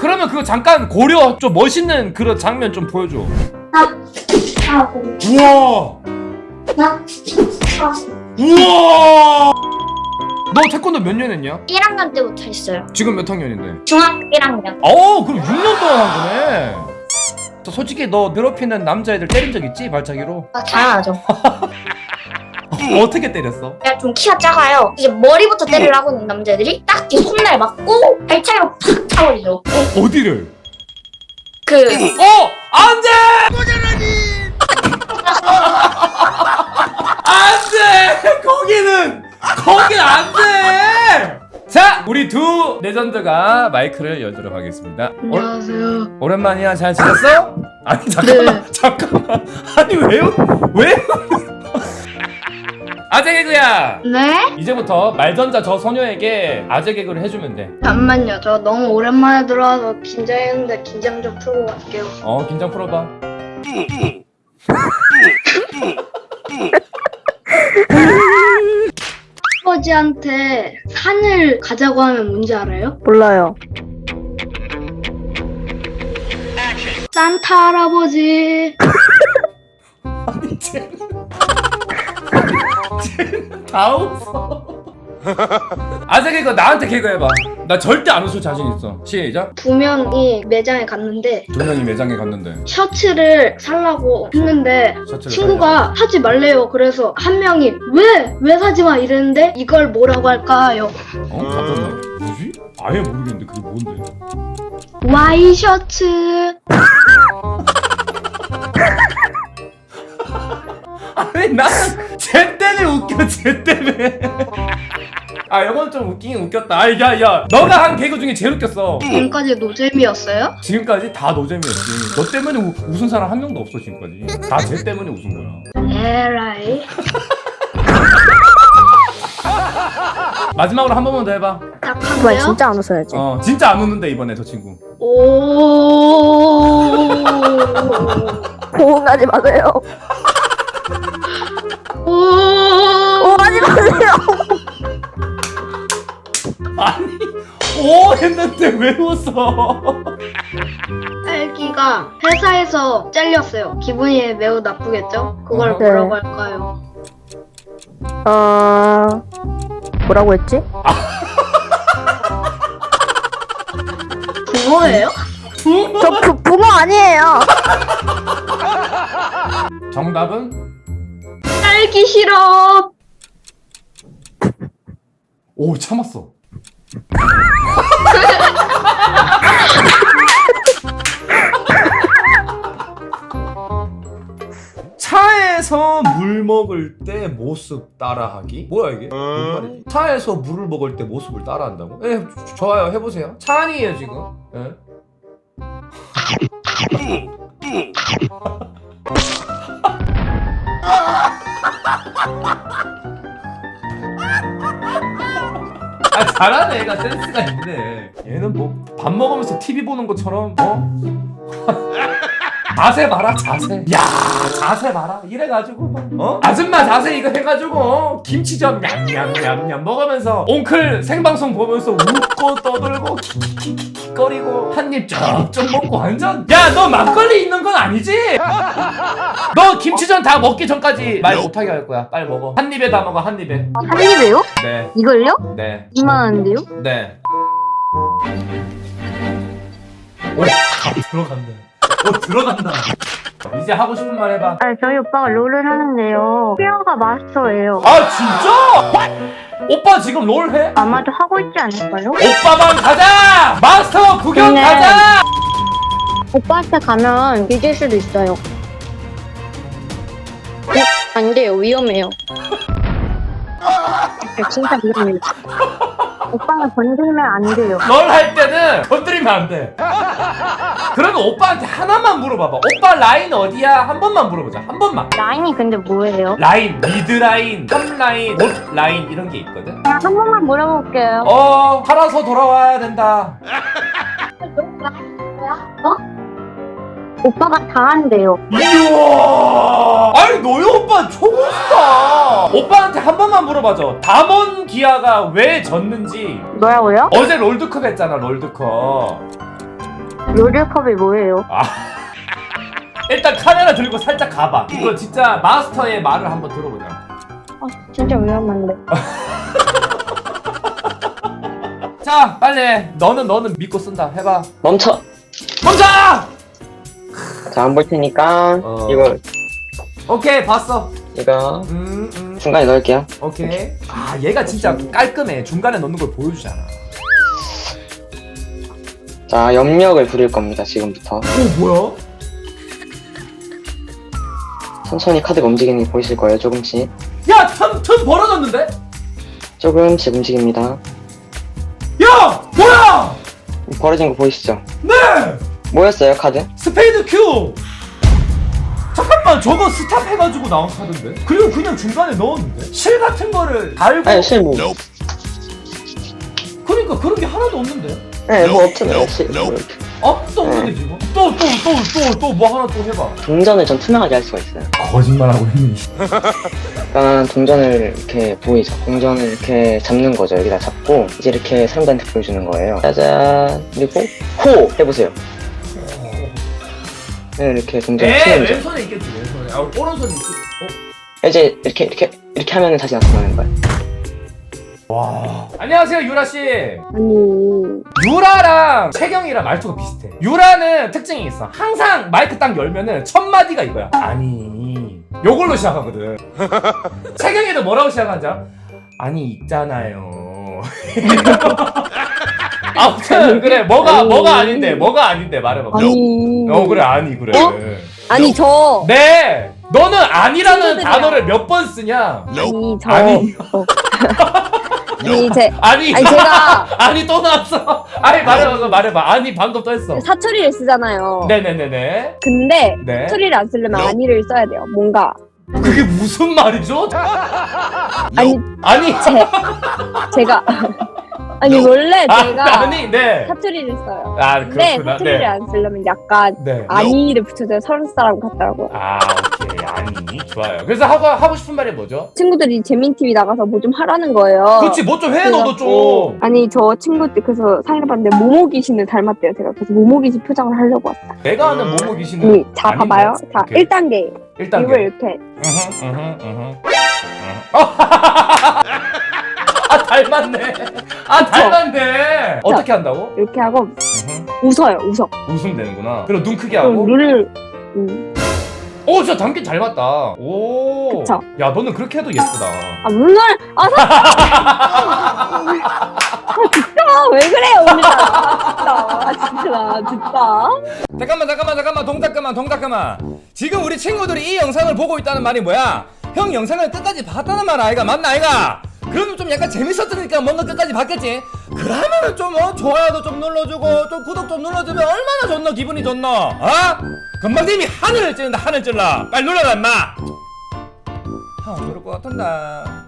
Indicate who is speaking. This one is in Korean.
Speaker 1: 그러면 그거 잠깐 고려 좀 멋있는 그런 장면 좀 보여줘. 우와. 우와. 너 태권도 몇 년 했냐?
Speaker 2: 1학년 때부터 했어요.
Speaker 1: 지금 몇 학년인데?
Speaker 2: 중학교 1학년.
Speaker 1: 그럼 6년 동안 한 거네. 솔직히 너 괴롭히는 남자애들 때린 적 있지? 발차기로?
Speaker 2: 당연하죠.
Speaker 1: 어떻게 때렸어?
Speaker 2: 내가 좀 키가 작아요. 이제 머리부터 때리려고 하는 남자애들이 딱 뒤 손날 맞고 발차기로 팍 차버리죠.
Speaker 1: 어디를? 안돼! 안돼! 거긴 안돼! 자, 우리 두 레전드가 마이크를 열도록 하겠습니다.
Speaker 3: 안녕하세요.
Speaker 1: 오랜만이야. 잘 지냈어? 아니 잠깐만. 아니 왜? 아재 개그야.
Speaker 3: 네?
Speaker 1: 이제부터 말전자 저 소녀에게 아재 개그를 해주면 돼.
Speaker 3: 잠만요. 저 너무 오랜만에 들어와서 긴장했는데 긴장 좀 풀고 갈게요.
Speaker 1: 긴장 풀어봐.
Speaker 3: 아버지한테 산을 가자고 하면 뭔지 알아요?
Speaker 4: 몰라요.
Speaker 3: 산타 할아버지.
Speaker 1: 아니 쟤는 다 웃어. 아재 개그 나한테 개그 해봐. 나 절대 안 웃을 자신 있어. 시작.
Speaker 3: 두 명이 매장에 갔는데
Speaker 1: 두 명이 매장에 갔는데
Speaker 3: 셔츠를 살라고 했는데
Speaker 1: 셔츠를
Speaker 3: 친구가 사지 말래요. 그래서 한 명이 왜 사지 마 이랬는데 이걸 뭐라고 할까요?
Speaker 1: 잠깐만. 뭐지? 아예 모르겠는데 그게 뭔데?
Speaker 3: 와이셔츠.
Speaker 1: 아니 나쟤 때문에 웃겨. 쟤 때문에. 이건 좀 웃기긴 웃겼다. 야 너가 한 개그 중에 제일 웃겼어.
Speaker 3: 지금까지 노잼이었어요?
Speaker 1: 지금까지 다 노잼이었지. 너 때문에 웃은 사람 한 명도 없어 지금까지. 다 쟤 때문에 웃은 거야.
Speaker 3: 에라이.
Speaker 1: 마지막으로 한 번만 더 해봐.
Speaker 4: 정말
Speaker 3: 딱한데요?
Speaker 4: 진짜 안 웃어야지.
Speaker 1: 진짜 안 웃는데 이번에 저 친구.
Speaker 3: 오.
Speaker 4: 호응하지 마세요.
Speaker 3: 오.
Speaker 4: 호응하지 마세요.
Speaker 1: 아니 오 했는데 왜 웃어?
Speaker 3: 딸기가 회사에서 잘렸어요. 기분이 매우 나쁘겠죠? 그걸
Speaker 4: 네.
Speaker 3: 뭐라고 할까요?
Speaker 4: 뭐라고 했지?
Speaker 3: 붕어예요?
Speaker 4: 저 붕어 아니에요.
Speaker 1: 정답은?
Speaker 3: 딸기 시럽.
Speaker 1: 오 참았어. 차에서 물 먹을 때 모습 따라하기? 뭐야 이게? 뭔 말이지? 차에서 물을 먹을 때 모습을 따라한다고? 좋아요. 해보세요. 차 아니에요 지금. 잘하네. 애가 센스가 있네. 얘는 뭐 밥 먹으면서 TV 보는 것처럼 자세 봐라 자세. 야 자세 봐라. 이래가지고 막 아줌마 자세 이거 해가지고 김치전 냠냠냠냠 먹으면서 옹클 생방송 보면서 웃고 떠들고 킥킥킥킥거리고 한입 쩍쩍 먹고 완전. 야 너 막걸리 있는 건 아니지? 너 김치전 다 먹기 전까지 말 못하게 할 거야. 빨리 먹어. 한 입에 다 먹어. 한 입에.
Speaker 4: 한 입에요?
Speaker 1: 네.
Speaker 4: 이걸요?
Speaker 1: 네.
Speaker 4: 이만한데요?
Speaker 1: 네. 오 들어간다. 들어간다. 이제 하고 싶은 말 해봐.
Speaker 4: 저희 오빠가 롤을 하는데요. 피어가 마스터예요.
Speaker 1: 진짜? 오빠 지금 롤 해?
Speaker 4: 아마도 하고 있지 않을까요?
Speaker 1: 오빠만 가자! 마스터 구경
Speaker 4: 네.
Speaker 1: 가자!
Speaker 4: 오빠한테 가면 뒤질 수도 있어요. 안 돼요. 위험해요. 진짜 위험해요. 오빠가 건들면 안 돼요.
Speaker 1: 롤 할 때는 건드리면 안 돼. 그러면 오빠한테 하나만 물어봐봐. 오빠 라인 어디야? 한 번만 물어보자. 한 번만.
Speaker 4: 라인이 근데 뭐예요?
Speaker 1: 라인, 미드 라인, 탑 라인, 못 라인 이런 게 있거든.
Speaker 4: 한 번만 물어볼게요.
Speaker 1: 팔아서 돌아와야 된다.
Speaker 4: 오빠가 다 한대요.
Speaker 1: 이야! 아니 너희 오빠 초고수다. 오빠한테 한 번만 물어봐줘. 담원 기아가 왜 졌는지.
Speaker 4: 뭐라고요?
Speaker 1: 어제 롤드컵 했잖아. 롤드컵.
Speaker 4: 롤드컵이 뭐예요?
Speaker 1: 일단 카메라 들고 살짝 가봐. 이거 진짜 마스터의 말을 한번 들어보자.
Speaker 4: 진짜 위험한데.
Speaker 1: 자 빨리 해. 너는 믿고 쓴다. 해봐.
Speaker 5: 멈춰.
Speaker 1: 멈춰!
Speaker 5: 자, 안 볼 테니까 이거
Speaker 1: 오케이 봤어.
Speaker 5: 이거 중간에 넣을게요.
Speaker 1: 오케이. 아 얘가 진짜 깔끔해. 중간에 넣는 걸 보여주잖아.
Speaker 5: 자, 염력을 부릴 겁니다. 지금부터.
Speaker 1: 오 뭐야?
Speaker 5: 천천히 카드가 움직이는 게 보이실 거예요. 조금씩.
Speaker 1: 야 턴 벌어졌는데?
Speaker 5: 조금씩 움직입니다.
Speaker 1: 야 뭐야?
Speaker 5: 벌어진 거 보이시죠?
Speaker 1: 네!
Speaker 5: 뭐였어요, 카드?
Speaker 1: 스페이드 큐! 잠깐만 저거 스탑 해가지고 나온 카드인데? 그리고 그냥 중간에 넣었는데? 실 같은 거를 달고
Speaker 5: 아니, 실 뭐.
Speaker 1: 그러니까 그런 게 하나도 없는데?
Speaker 5: 네, 뭐 없잖아요. 실. 뭐 이렇게.
Speaker 1: 아무도 없는데 지금? 또 뭐 하나 또 해봐.
Speaker 5: 동전을 전 투명하게 할 수가 있어요.
Speaker 1: 거짓말하고 있니?
Speaker 5: 일단 동전을 이렇게 보이죠? 동전을 이렇게 잡는 거죠. 여기다 잡고 이제 이렇게 사람들한테 보여주는 거예요. 짜잔. 그리고 호! 해보세요. 네, 이렇게 동전 치면 이제
Speaker 1: 왼손에 있겠지 왼손에. 아 오른손에 있지.
Speaker 5: 이제 이렇게 하면은 다시 나타나는 거예요.
Speaker 1: 와. 안녕하세요 유라씨.
Speaker 4: 아니,
Speaker 1: 유라랑 채경이랑 말투가 비슷해. 유라는 특징이 있어. 항상 마이크 딱 열면은 첫 마디가 이거야. 아니 요걸로 시작하거든. 채경이도 뭐라고 시작하지? 아니 있잖아요. 아무튼 그래 뭐가 아닌데 말해봐.
Speaker 4: 아니.
Speaker 1: 그래 아니 그래.
Speaker 4: 아니, 저.
Speaker 1: 네 너는 아니라는
Speaker 4: 친구들이야.
Speaker 1: 단어를 몇 번 쓰냐?
Speaker 4: 아니, 저.
Speaker 1: 아니.
Speaker 4: 아니,
Speaker 1: 아니
Speaker 4: 제가
Speaker 1: 아니 또 나왔어. 아니 말해봐. 아니 방금 또 했어.
Speaker 4: 사투리를 쓰잖아요.
Speaker 1: 네네네네.
Speaker 4: 근데
Speaker 1: 네.
Speaker 4: 사투리를 안 쓰려면 아니를 써야 돼요. 뭔가.
Speaker 1: 그게 무슨 말이죠?
Speaker 4: 아니,
Speaker 1: 아니
Speaker 4: 제가. 아니, 원래 제가
Speaker 1: 아니 네.
Speaker 4: 사투리를 써요.
Speaker 1: 아
Speaker 4: 근데
Speaker 1: 그렇구나.
Speaker 4: 사투리를
Speaker 1: 네.
Speaker 4: 안 쓰려면 약간
Speaker 1: 네.
Speaker 4: 아니를 붙여줘야 서울 사람 같더라고요.
Speaker 1: 아 오케이 아니 좋아요. 그래서 하고 싶은 말이 뭐죠?
Speaker 4: 친구들이 재민 TV 나가서 뭐 좀 하라는 거예요.
Speaker 1: 그렇지 뭐 좀 해 너도 좀.
Speaker 4: 아니, 저 친구들 그래서 사진을 봤는데 모모 귀신을 닮았대요. 제가 그래서 모모 귀신 표정을 하려고 왔어요.
Speaker 1: 내가 아는 모모 귀신은
Speaker 4: 자,
Speaker 1: 아닌데?
Speaker 4: 봐봐요. 자,
Speaker 1: 오케이.
Speaker 4: 1단계.
Speaker 1: 일단
Speaker 4: 이걸 이렇게.
Speaker 1: 아 닮았네. 어떻게 한다고?
Speaker 4: 이렇게 하고 웃어요. 웃어.
Speaker 1: 웃으면 되는구나. 그럼 눈 크게
Speaker 4: 그럼
Speaker 1: 하고.
Speaker 4: 눈을
Speaker 1: 오 진짜 닮긴 닮았다. 오.
Speaker 4: 그쵸.
Speaker 1: 야 너는 그렇게 해도 예쁘다.
Speaker 4: 눈을 진짜 왜 그래요 오늘따라. 진짜.
Speaker 1: 잠깐만 동작 그만. 지금 우리 친구들이 이 영상을 보고 있다는 말이 뭐야? 형 영상을 끝까지 봤다는 말 아이가? 맞나 아이가? 그러면 좀 약간 재밌었으니까 뭔가 끝까지 봤겠지? 그러면은 좀 좋아요도 좀 눌러주고 좀 구독 좀 눌러주면 얼마나 좋노 기분이 좋노? 어? 금방 님이 하늘을 찌른다 하늘 찔러 빨리 눌러라 임마. 형 그럴 것 같은데